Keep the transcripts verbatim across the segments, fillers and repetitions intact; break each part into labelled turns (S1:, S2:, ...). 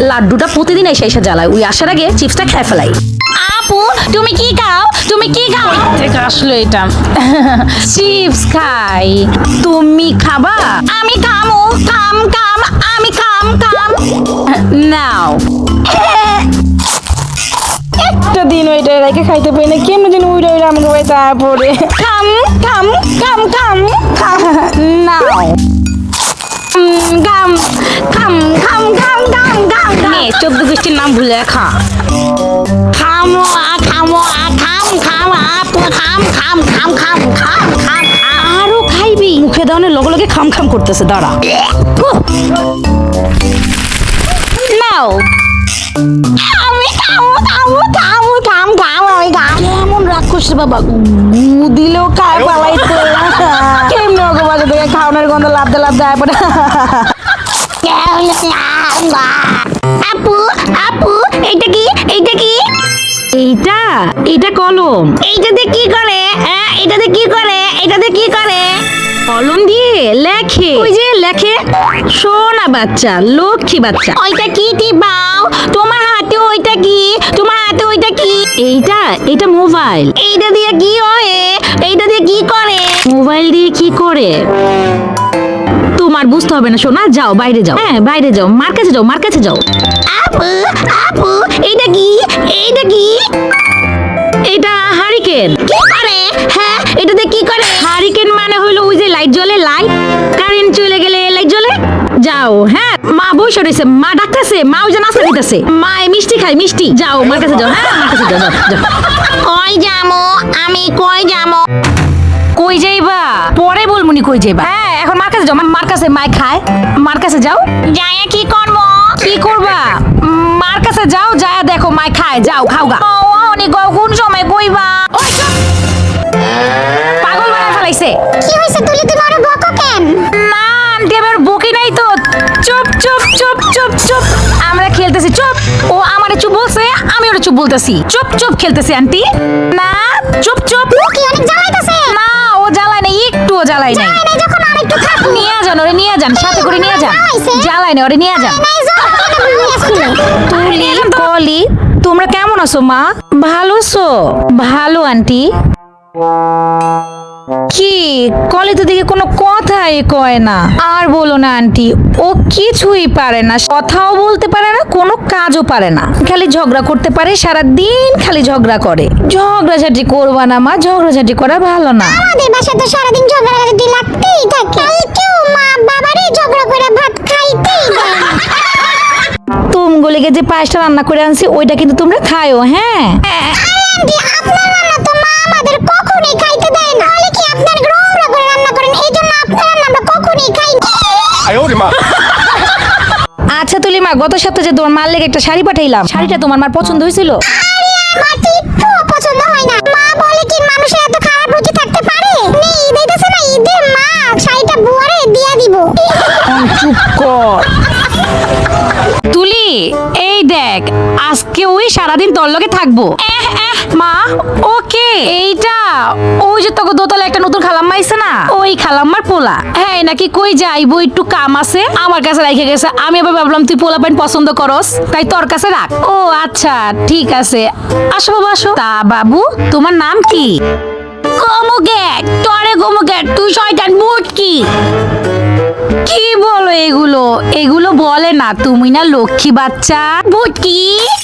S1: লাড্ডুটা প্রতিদিন এসে এসে জ্বালায়, ওই আসার আগে চিপসটা খেয়ে ফেলাই।
S2: আপু তুমি কি খাও তুমি কি খাও
S1: থেকে আসলো এটা চিপস খাই, তুমি খাবা?
S2: আমি খামু খাম খাম আমি খাম খাম
S1: নাও। একটা দিন ওইটা রেখে খাইতে পারি না, কেমন দিন উইটা উইটা আমাকে ভাই তারপরে
S2: খাম খাম খাম খাম খাম
S1: নাও।
S2: খাম খাম খাম খাম খাম খাম
S1: নে চোদ্দ গোষ্ঠীর নাম ভুলে খা।
S2: খামো আ খামো আ খাম খাম আপু খাম খাম খাম খাম খাম খাম
S1: আরো খাইবি? মুখে দেওয়ানোর লগে লগে খাম খাম করতেছে, দাঁড়া। নাও।
S2: আমি খামো খামো খামো খাম খাম আমি খাম
S1: কেমন রাগ করছে বাবা, গু দিলেও খায় পালাইতে। কেমন ওকে বাসা থেকে খাওয়ানোর গন্ধ লাভতে লাভতে আয় পড়ে।
S2: আপু আপু এইটা কি এইটা কি
S1: এইটা এইটা কলম।
S2: এইটাতে কি করে হ্যাঁ এটাতে কি করে এটাতে কি করে
S1: কলম দিয়ে লেখে, ওই যে লেখে। সোনা বাচ্চা, লক্ষ্মী বাচ্চা।
S2: ওইটা কি টিপাও তোমার হাতে ওইটা কি তোমার হাতে ওইটা কি
S1: এইটা এটা মোবাইল।
S2: এইটা দিয়ে কি হয় এইটা দিয়ে কি করে
S1: মোবাইল দিয়ে কি করে তোমার বুঝতে হবে না সোনা, যাও বাইরে যাও। হ্যাঁ বাইরে যাও, মার কাছে যাও, মার কাছে যাও।
S2: আপু আপু এইটা কি এইটা কি
S1: এটা হারিকেন।
S2: কি করে হ্যাঁ এটাতে কি করে
S1: হারিকেন মানে হইলো ওই যে লাইট জ্বলে, লাইট কারেন্ট চলে গেলে লাইট জ্বলে। যাও। হ্যাঁ মা বসে রয়েছে, মা ডাকতেছে, মা ওই যে নাস্তা দিতেছে, মা এই মিষ্টি খাই মিষ্টি। যাও মার কাছে যাও। হ্যাঁ মার কাছে যাও, যাও, যাও।
S2: কই যামো আমি কই যামো
S1: কই যাইবা পরে বলমুনি কই যাইবা। হ্যাঁ এখন মার কাছে যাও, মা- মার কাছে মাই খায়, মার কাছে যাও।
S2: যাইয়া কি করবো
S1: কি করবা? উম, মার কাছে যাও, যায় দেখো মাই খায়, যাও খাও গা।
S2: অনেক কোন সময় কইবা
S1: ওই চুপ! পাগল বানায় ফেলাইছে।
S2: কি হইছে তুলি তুমি আরো বকো কেন
S1: না আন্টি আমার বকি নাই তো। চুপ চুপ চুপ চুপ চুপ, আমরা খেলতেছি চুপ। ও আমারে চুপ বলছে, আমি ওরে চুপ বলতেছি। চুপ চুপ খেলতেছি আন্টি। না চুপ চুপ।
S2: ও কি অনেক জ্বালাইতাছে
S1: না ও জ্বালায় নাই, একটুও জ্বালায় নাই।
S2: নাই যখন আরেকটু থাকো
S1: নিয়ে যান ওরে, নিয়ে যান, সাথে করে নিয়ে যান। জ্বালায় না ওরে, নিয়ে যান।
S2: নাই যাও এটা ভালো স্কুলে
S1: তুলি কলি তোমরা কেমন আছো মা? ভালো আছো? ভালো আন্টি। কি কলি তো দেখি কোনো কথাই কয় না। আর বলো না আন্টি, ও কিছুই পারে না, কথাও বলতে পারে না, কোনো কাজও পারে না, খালি ঝগড়া করতে পারে, সারা দিন খালি ঝগড়া করে। ঝগড়াঝাটি করবা না মা, ঝগড়াঝাটি করা ভালো না।
S2: আমাদের বাসায় তো সারাদিন ঝগড়াঝাটি লাগতেই থাকে কালকেও মা বাবারই ঝগড়া করে ভাত খাইতেই দেয় না।
S1: তুমগুলিকে যে পায়েসটা রান্না করে আনছি ওইটা কিন্তু তোমরা খায়ও। হ্যাঁ
S2: আরে আন্টি আপনার রান্না তো মা আমাদের কখনোই খাইতে দেয় না তাহলে কি আপনার নোংরা করে রান্না করেন এই জন্য আপনার রান্না আমরা কখনোই খাই না
S3: 哎呦我的妈！
S1: আচ্ছা তুলিমা, গত সপ্তাহে যে তোমার মার লেগে একটা শাড়ি পাঠাইলাম, শাড়িটা তোমার মার পছন্দ হয়েছিল?
S2: আরে আমার তো একটুও পছন্দ হয় না মা বলে কি মানুষের এত খারাপ রুচি থাকতে পারে নে ঈদ আইতাছে না ঈদে মা শাড়িটা বুয়ারে দিয়া দিব
S1: চুপ কর তুলি। এই দেখ আজকে ওই সারাদিন তোর লগে থাকবো। এহ, এহ, মা ওকে এইটা ওই যে তোকে দোতলা একটা নতুন খালাম্মা আইছে না, ওই খালাম্মার পোলা। হ্যাঁ নাকি কই যাইবো একটু কাম আছে, আমার কাছে রেখে গেছে। আমি আবার ভাবলাম তুই পোলা পাইন পছন্দ করস, তাই তোর কাছে রাখ। ও আচ্ছা ঠিক আছে, আসো বাবা আসো। তা বাবু তোমার নাম কি?
S2: গোমুগেট তোরে গোমুগেট তুই শয়তান মুট কি
S1: কি বলো এগুলো? এগুলো বলে না, তুমি না লক্ষ্মী বাচ্চা।
S2: বুটকি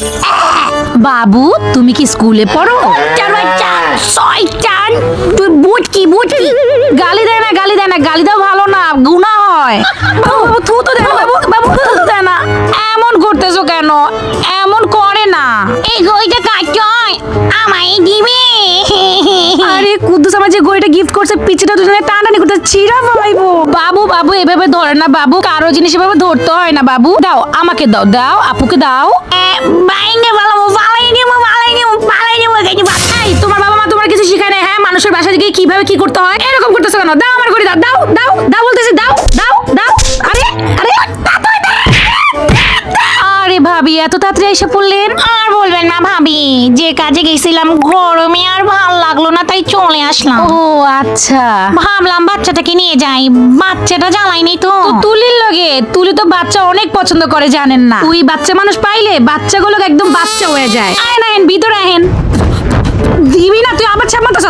S1: বাবু তুমি কি স্কুলে পড়ো?
S2: চার বাচ্চা শয়তান তুই বুটকি বুটকি
S1: গালি দেয় না, গালি দেয় না, গালি দাও ভালো না, গুনাহ হয়। বাবু বাবু থু তো দেয় না, বাবু বাবু থু তো দেয় না। এমন করতেছো কেন? এমন করে না।
S2: এই গইটা কাটছয় আমায় দিবি
S1: আরে কুদ্দুস আমার যে গড়িটা গিফট করছে, পিছটা দুজনে টানাটানি করতে চিরা ফলাইবো। বাবু বাবু এভাবে ধরে না বাবু, কারো জিনিস এভাবে ধরতে হয় না বাবু। দাও আমাকে দাও, দাও আপুকে দাও।
S2: বাইঙ্গে ভালো ভালাই দিব ভালাই দিব ভালাই দিব কেজি
S1: এই তোমার বাবা মা তোমার কিছু শিখায় না? হ্যাঁ মানুষের বাসায় গিয়ে কিভাবে কি করতে হয় এরকম করতেছো কেন? দাও আমার ঘড়ি, দাও দাও দাও দাও বলতেছি, দাও দাও দাও। আরে আরে আরে ভাবি এত তাড়াতাড়ি এসে পড়লেন?
S3: আর বলবেন না ভাবি, যে কাজে গেছিলাম গরমে আর ভাল লাগলো না তাই চলে আসলাম।
S1: ও আচ্ছা।
S3: ভাবলাম বাচ্চাটাকে নিয়ে যাই, বাচ্চাটা জ্বালাইনি তো।
S1: তো তুলির লগে, তুলি তো বাচ্চা অনেক পছন্দ করে জানেন না? তুই বাচ্চা মানুষ পাইলে বাচ্চাগুলো একদম বাচ্চা হয়ে যায়। আহেন আহেন ভিতরে আহেন। দিবি না তুই আবার ছাপাতাছ।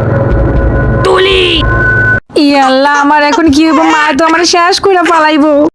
S1: তুলি, ইয়াল্লাহ আমার এখন কি হইব? মা তো আমার শেষ কইরা পালাইবো।